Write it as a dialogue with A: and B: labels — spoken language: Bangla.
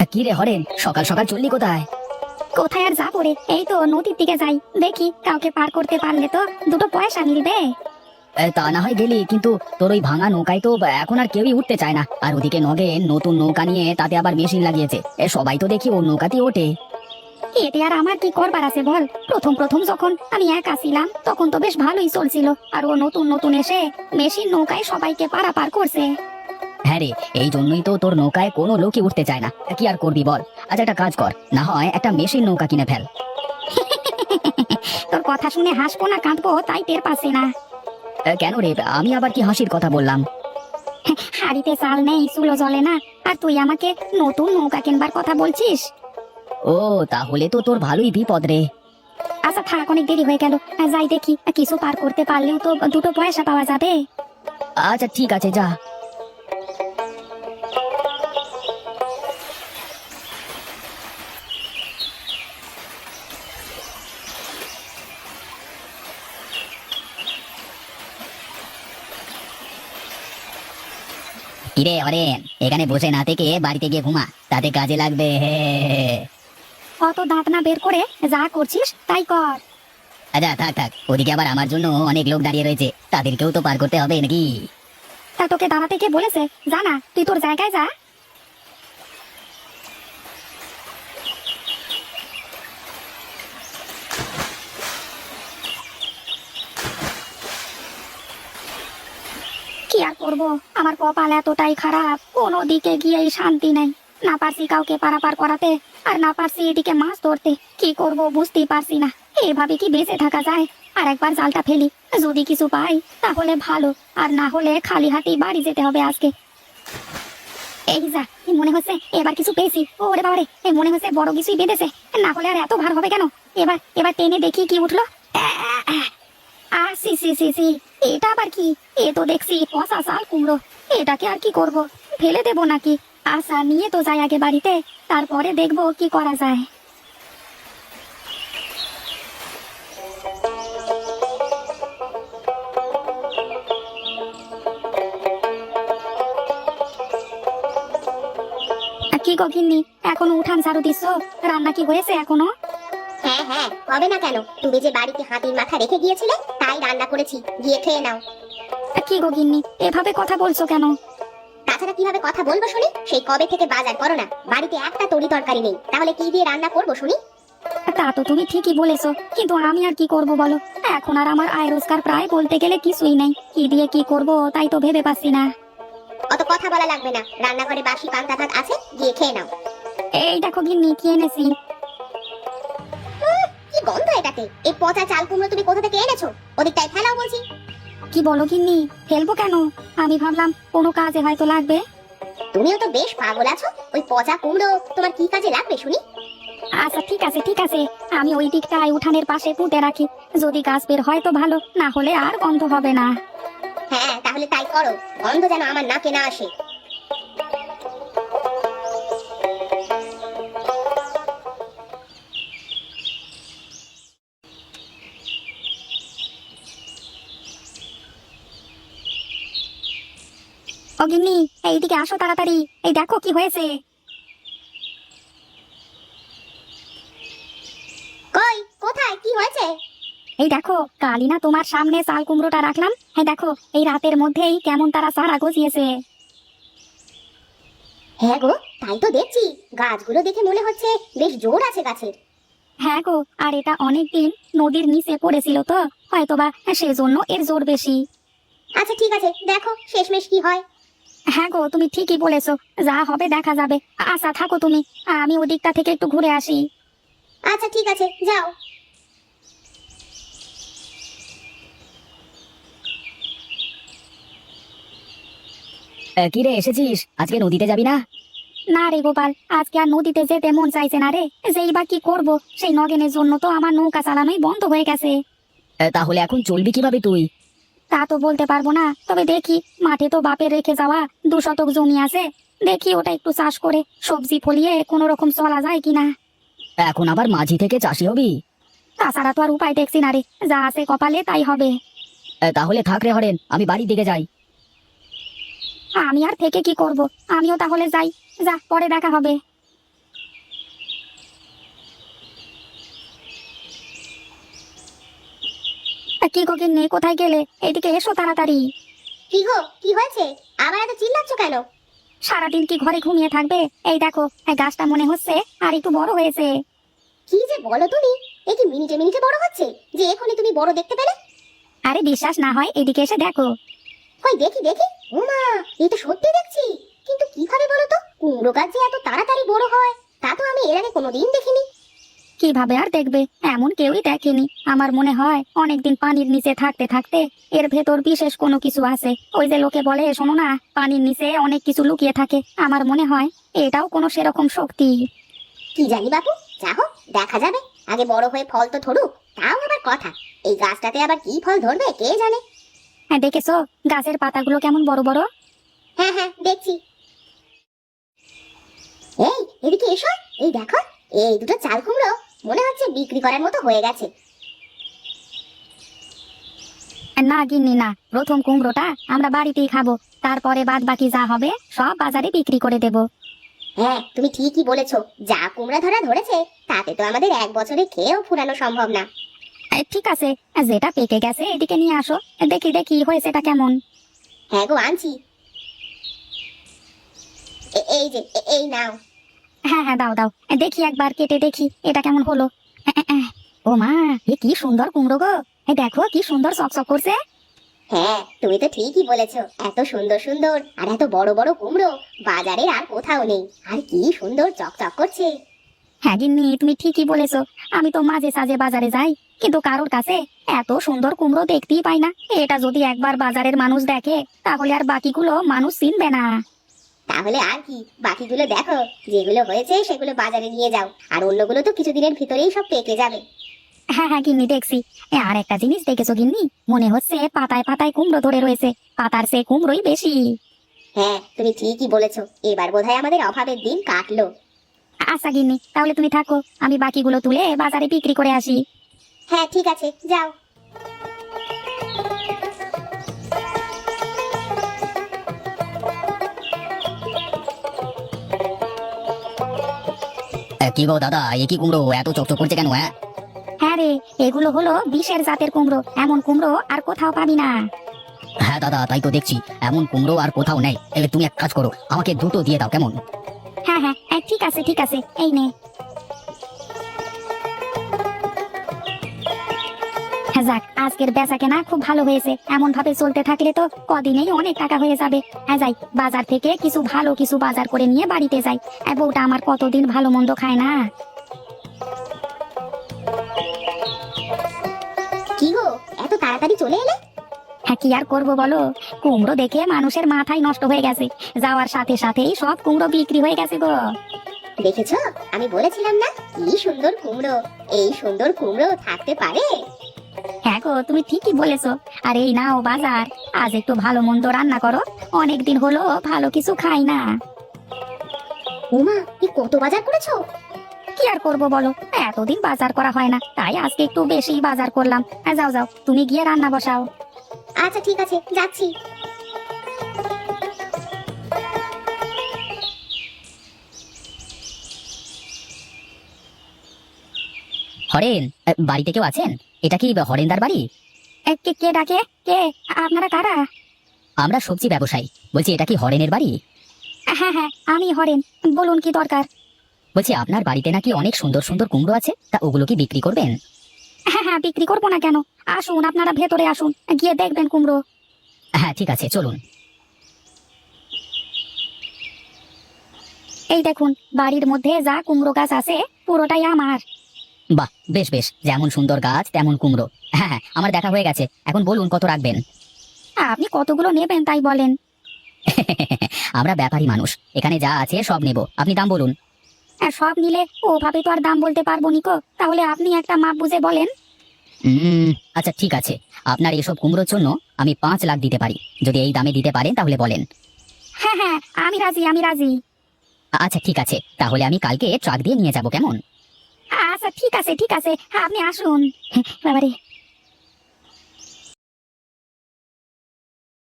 A: কি রে হরেন, সকাল সকাল চললি কোথায়?
B: কোথায় আর যাবো রে, এই তো নদীর দিকে যাই, দেখি কাউকে পার করতে পারলে তো দুটো পয়সা মিলবে।
A: তা না হয় গেলি, কিন্তু তোর ওই ভাঙা নৌকায় তো এখন আর কেউই উঠতে চায় না। আর ওদিকে নগেন নতুন নৌকা নিয়ে তাতে আবার মেশিন লাগিয়েছে, সবাই তো দেখি ওর নৌকাতেই ওঠে।
B: এতে আর আমার কি করবার আছে বল? প্রথম প্রথম যখন আমি একা ছিলাম তখন তো বেশ ভালোই চলছিল, আর ও নতুন নতুন এসে মেশিন নৌকায় সবাইকে পারাপার করছে।
A: হ্যাঁ রে, এই জন্যই তো তোর নৌকায় কোনো লোকই উঠতে চায় না। কি আর করবি বল? আচ্ছা একটা কাজ কর, না হয় একটা মেশিন নৌকা কিনে ফেল।
B: তোর কথা শুনে হাসবো না কাঁদবো তাই টের পাচ্ছি না।
A: কেন রে, আমি আবার কি হাসির কথা বললাম?
B: হাড়িতে চাল নেই, চুলো জ্বলে না, আর তুই আমাকে নতুন নৌকা কিনবার কথা বলছিস?
A: ও, তাহলে তো তোর ভালোই বিপদ রে।
B: আচ্ছা থাক, অনেক দেরি হয়ে গেল, যাই দেখি কিছু পার করতে পারলেও তো দুটো পয়সা পাওয়া যাবে।
A: আচ্ছা ঠিক আছে, যা। কিরে হরেন, এখানে বসে না থেকে বাড়িতে গিয়ে ঘুমা, তাতে কাজে লাগবে।
B: অত দাঁত না বের করে যা করছিস তাই কর।
A: আচ্ছা থাক থাক, ওদিকে আবার আমার জন্য অনেক লোক দাঁড়িয়ে রয়েছে, তাদেরকেও তো পার করতে হবে নাকি?
B: তা তোকে দাঁড়াতে কে বলেছে? যা না, তুই তোর জায়গায় যা। কি আর করবো, আমার কপাল এতটাই খারাপ, কোনো দিকে গিয়েই শান্তি নাই। না পারছি কাউকে পারাপার করাতে, আর না পারছি এদিকে মাছ ধরতে। কি করব বুঝতেই পারছি না। এভাবে কি বেঁচে থাকা যায়? আর একবার জালটা ফেলি, যদি কিছু পাই তাহলে ভালো, আর না হলে খালি হাতেই বাড়ি যেতে হবে আজকে। এই যা, মনে হচ্ছে এবার কিছু পেয়েছি। ওরে বাবারে, এই মনে হচ্ছে বড় কিছুই বেঁধেছে। না হলে আর এত ভার হবে কেন? এবার এবার টেনে দেখি কি উঠলো। সি সি সি সি, এটা আবার কি? এ তো দেখছি পচা চাল কুমড়ো। এটাকে আর কি করব, ফেলে দেবো নাকি? আশা নিয়ে তো যাই আগে বাড়িতে, তারপরে দেখবো কি করা যায়। কি গো গিন্নি, এখনো উঠান ঝাড়ু দিচ্ছ? রান্না কি হয়েছে এখনো?
C: হ্যাঁ হ্যাঁ, হবে না কেন? তুমি যে বাড়িতে হাতির মাথা রেখে গিয়েছিলে তাই রান্না করেছি, গিয়ে খেয়ে নাও।
B: কি গো গিন্নি, এভাবে কথা বলছো কেন?
C: তাছাড়া কিভাবে কথা বলবো শুনি? সেই কবে থেকে বাজার করো না, বাড়িতে একটা তরি তরকারি নেই, তাহলে কি দিয়ে রান্না করবো শুনি?
B: তা তো তুমি ঠিকই বলেছো, কিন্তু আমি আর কি করব বলো? এখন আর আমার আয় রোজগার প্রায় বলতে গেলে কিছুই নেই। কি দিয়ে কি করব তাই তো ভেবে পাচ্ছি না।
C: অত কথা বলা লাগবে না, রান্নাঘরে বাসি পান্তা ভাত আছে, গিয়ে খেয়ে নাও।
B: এই দেখো গিন্নি, কি এনেছি।
C: কি গন্ধ এটাতে! এই পচা চাল কুমড়ো তুমি কোথা থেকে এনেছো? ওদিকটায় ফেলাও বলছি।
B: কি বলো গিন্নি, ফেলবো কেন? আমি ভাবলাম কোনো কাজে হয়তো লাগবে।
C: তুমিও তো বেশ পাগল আছো, ওই পচা কুমড়ো তোমার কি কাজে লাগবে শুনি?
B: আচ্ছা ঠিক আছে ঠিক আছে, আমি ওই দিকটায় উঠানের পাশে পুঁতে রাখি, যদি গাছ বের হয় তো ভালো, না হলে আর গন্ধ হবে না।
C: হ্যাঁ তাহলে তাই করো, গন্ধ যেন আমার নাকে না আসে।
B: ও গিন্নি, এইদিকে আসো তাড়াতাড়ি, এই দেখো কি হয়েছে।
C: কই, কোথায়, কি হয়েছে?
B: এই দেখো, কালি না তোমার সামনে চাল কুমড়োটা রাখলাম, হ্যাঁ দেখো এই রাতের মধ্যেই কেমন তারা সারা গজিয়েছে।
C: হ্যাঁ গো, তাই তো দেখছি, গাছগুলো দেখে মনে হচ্ছে বেশ জোর আছে গাছের।
B: হ্যাঁ গো, আর এটা অনেকদিন নদীর নিচে পড়েছিল তো, হয়তোবা সেজন্য এর জোর বেশি।
C: আচ্ছা ঠিক আছে, দেখো শেষমেশ কি হয়।
B: হ্যাঁ গো, তুমি ঠিকই বলেছো, যা হবে দেখা যাবে। আচ্ছা থাকো তুমি, আমি ওদিকটা থেকে একটু ঘুরে আসি।
C: আচ্ছা ঠিক আছে, যাও।
A: কি রে, এসেছিস? আজকে নদীতে যাবি না?
B: না রে গোপাল, আজকে আর নদীতে যেতে মন চাইছে না রে। যেই বা কি করবো, সেই নগেনের জন্য তো আমার নৌকা চালানোই বন্ধ হয়ে গেছে।
A: তাহলে এখন চলবি কিভাবে তুই?
B: তা তো বলতে পারবো না, তবে দেখি মাঠে তো বাপের রেখে যাওয়া 2 শতক জমি আছে, দেখি ওটা একটু চাষ করে সবজি ফলিয়ে কোনো রকম চলা যায় কিনা।
A: এখন আবার মাঝি থেকে চাষি হবি?
B: তাছাড়া তো আর উপায় দেখছি না রে, যা আছে কপালে তাই হবে।
A: তাহলে থাক রে হরেন, আমি বাড়ির দিকে যাই।
B: আমি আর থেকে কি করব, আমিও তাহলে যাই। যা, পরে দেখা হবে। কি গো গিন্নি, কোথায় গেলে? এদিকে এসো তাড়াতাড়ি।
C: কি গো, কি হয়েছে? আবার এত চিল্লাচ্ছ কেন?
B: সারাদিন কি ঘরে ঘুমিয়ে থাকবে? এই দেখো, এই গাছটা মনে হচ্ছে আর একটু বড় হয়েছে।
C: কি যে বলো তুমি, এ কি মিনিটে মিনিটে বড় হচ্ছে যে এখনই তুমি বড় দেখতে পেলে?
B: আরে বিশ্বাস না হয় এদিকে এসে দেখো।
C: কই দেখি দেখি। ওমা, এই তো সত্যি দেখছি। কিন্তু কিভাবে বলো তো, কুমড়ো গাছ যে এত তাড়াতাড়ি বড় হয় তা তো আমি এর আগে কোনোদিন দেখিনি।
B: কিভাবে আর দেখবে, এমন কেউই দেখেনি। আমার মনে হয় অনেকদিন পানির নিচে থাকতে থাকতে এর ভেতর বিশেষ কোনো কিছু আছে। ওই যে লোকে বলে শোনো না, পানির নিচে অনেক কিছু লুকিয়ে থাকে। আমার মনে হয় এটাও কোনো সেরকম শক্তি।
C: কি জানি বাপু, যা হোক দেখা যাবে। আগে বড় হয়ে ফল তো ধরুক, তাও আবার কথা। এই গাছটাতে আবার কি ফল ধরবে কে জানে।
B: হ্যাঁ দেখেছো গাছের পাতাগুলো কেমন বড় বড়?
C: হ্যাঁ হ্যাঁ দেখছি। এই এদিকে এসো, এই দেখো, এই দুটো চাল কুমড়ো মনে হচ্ছে বিক্রি করার মতো হয়ে গেছে।
B: না গিন্নি না, প্রথম কুমড়োটা আমরা বাড়িতেই খাবো, তারপরে বাদ বাকি যা হবে সব বাজারে বিক্রি করে দেব।
C: হ্যাঁ তুমি ঠিকই বলেছো, যা কুমড়া ধরা ধরেছে তাতে তো আমাদের এক বছরে খেয়েও ফুরানো সম্ভব না।
B: ঠিক আছে, যেটা পেকে গেছে এদিকে নিয়ে আসো, দেখি দেখি হয়েছে এটা কেমন।
C: হ্যাঁ গো আনছি। এই যে এই নাও।
B: হ্যাঁ হ্যাঁ দাও দাও, দেখি একবার কেটে দেখি এটা কেমন হলো। ও মা, এ কি সুন্দর কুমড়ো গো! এই দেখো কি সুন্দর চকচক করছে।
C: হ্যাঁ তুমি তো ঠিকই বলেছো, এত সুন্দর সুন্দর আর এত বড় বড় কুমড়ো বাজারে আর কোথাও নেই। আর কি সুন্দর চকচক করছে।
B: হ্যাঁ গিন্নি তুমি ঠিকই বলেছো, আমি তো মাঝে সাঝে বাজারে যাই, কিন্তু কারোর কাছে এত সুন্দর কুমড়ো দেখতেই পাই না। এটা যদি একবার বাজারের মানুষ দেখে তাহলে আর বাকিগুলো মানুষ চিনবে না।
C: তাহলে আর কি, বাকিগুলো দেখো, যেগুলো হয়েছে সেগুলো বাজারে নিয়ে যাও, আর অন্যগুলো তো কিছুদিনের ভিতরেই সব পেকে যাবে।
B: হ্যাঁ হ্যাঁ গিন্নি দেখছি। আর একটা জিনিস দেখেছো গিন্নি, মনে হচ্ছে পাতায় পাতায় কুমড়ো ধরে রয়েছে, পাতার সে কুমড়োই বেশি।
C: হ্যাঁ তুমি ঠিকই বলেছো, এবার বোধহয় আমাদের অভাবের দিন কাটলো।
B: আচ্ছা গিন্নি, তাহলে তুমি থাকো, আমি বাকিগুলো তুলে বাজারে বিক্রি করে আসি।
C: হ্যাঁ ঠিক আছে, যাও।
A: কি গো দাদা, এ কি কুমড়ো এত চকচক করছে কেন? হ্যাঁ
B: হ্যাঁ রে, এগুলো হলো বিশের জাতের কুমড়ো, এমন কুমড়ো আর কোথাও পাবি না।
A: হ্যাঁ দাদা, তাই তো দেখছি, এমন কুমড়ো আর কোথাও নেই। তুমি এক কাজ করো, আমাকে দুটো দিয়ে দাও কেমন?
B: হ্যাঁ হ্যাঁ ঠিক আছে ঠিক আছে, এই নে। হ্যাঁ যাক, আজকের বেচা কেনা খুব ভালো হয়েছে। এমন ভাবে চলতে থাকলে তো কদিনেই অনেক টাকা হয়ে যাবে। হ্যাঁ যাই, বাজার থেকে কিছু ভালো কিছু বাজার করে নিয়ে বাড়িতে যাই। বউটা আমার কতদিন ভালো মন্দ খায় না।
C: কি গো, এত তাড়াতাড়ি চলে এলে?
B: হ্যাঁ কি আর করবো বলো, কুমড়ো দেখে মানুষের মাথায় নষ্ট হয়ে গেছে। যাওয়ার সাথে সাথেই সব কুমড়ো বিক্রি হয়ে গেছে গো।
C: দেখেছো, আমি বলেছিলাম না কি সুন্দর কুমড়ো। এই সুন্দর কুমড়ো থাকতে পারে?
B: হ্যাঁ গো তুমি ঠিকই বলেছো। আর এই নাও বাজার, আজ একটু ভালো মন্দ রান্না করো, অনেকদিন হলো ভালো কিছু খাই না।
C: উমা, কি কত বাজার করেছো?
B: কি আর করবো বলো, এতদিন বাজার করা হয় না, তাই আজকে একটু বেশি বাজার করলাম। যাও যাও, তুমি গিয়ে রান্না বসাও।
C: আচ্ছা ঠিক আছে, যাচ্ছি।
A: হরেন, বাড়িতে কেউ আছেন? এটা কি হরেনদার বাড়ি?
B: কে কে ডাকে? কে আপনারা কারা?
A: আমরা সবজি ব্যবসায়ী, বলছি এটা কি হরেনের বাড়ি?
B: হ্যাঁ হ্যাঁ আমি হরেন, বলুন কি দরকার?
A: বলছি আপনার বাড়িতে নাকি অনেক সুন্দর সুন্দর কুমড়ো আছে, তা ওগুলো কি বিক্রি করবেন?
B: হ্যাঁ হ্যাঁ বিক্রি করবো না কেন, আসুন আপনারা ভেতরে আসুন, গিয়ে দেখবেন কুমড়ো।
A: হ্যাঁ ঠিক আছে, চলুন।
B: এই দেখুন, বাড়ির মধ্যে যা কুমড়ো গাছ আছে পুরোটাই আমার।
A: বাহ, বেশ বেশ, যেমন সুন্দর গাছ তেমন কুমড়ো। হ্যাঁ হ্যাঁ, আমার দেখা হয়ে গেছে, এখন বলুন কত রাখবেন?
B: আপনি কতগুলো নেবেন তাই বলেন।
A: আমরা ব্যাপারী মানুষ, এখানে যা আছে সব নেব, আপনি দাম বলুন।
B: আর সব নিলে ওভাবে তো আর দাম বলতে পারবো নিকো, তাহলে আপনি একটা মাপ বুঝে বলেন।
A: আচ্ছা ঠিক আছে, আপনার এসব কুমড়োর জন্য আমি 5 লাখ দিতে পারি, যদি এই দামে দিতে পারেন তাহলে বলেন।
B: হ্যাঁ হ্যাঁ আমি রাজি, আমি রাজি।
A: আচ্ছা ঠিক আছে, তাহলে আমি কালকে ট্রাক দিয়ে নিয়ে যাব কেমন?
B: আচ্ছা ঠিক আছে ঠিক আছে, আপনি আসুন। বাবারে,